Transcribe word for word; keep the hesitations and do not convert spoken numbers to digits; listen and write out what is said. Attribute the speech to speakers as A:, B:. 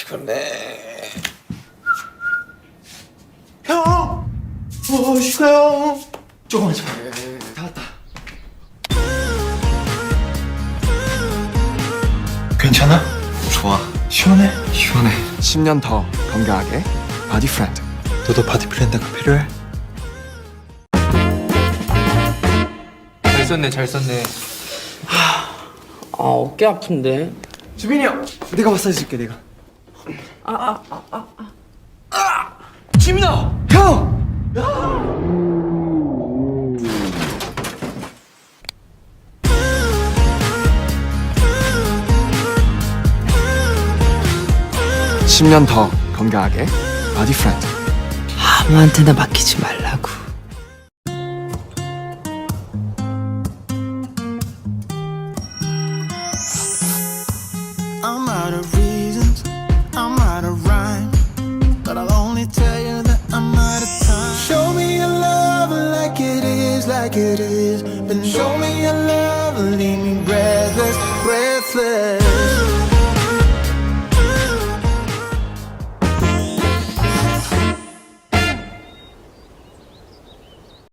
A: 피곤해. 형! 어, 슈가 형! 조금만 좀. 다 왔다. 괜찮아?
B: 좋아.
A: 시원해?
B: 시원해. 십 년 더 건강하게 바디 프렌드.
A: 너도 바디 프렌드가 필요해?
C: 잘 썼네, 잘 썼네.
D: 아 어깨 아픈데.
B: 주빈이 형, 내가 마사지 줄게 내가.
A: 지민아!
B: 형! 십 년 더 건강하게 바디 프렌드.
D: 아무한테나 맡기지 말라고.
E: I'm out of reasons, I'm out of rhyme, but I'll only tell you that I'm out of time. Show me your love like it is, like it is, but show me your love, leave me breathless, breathless.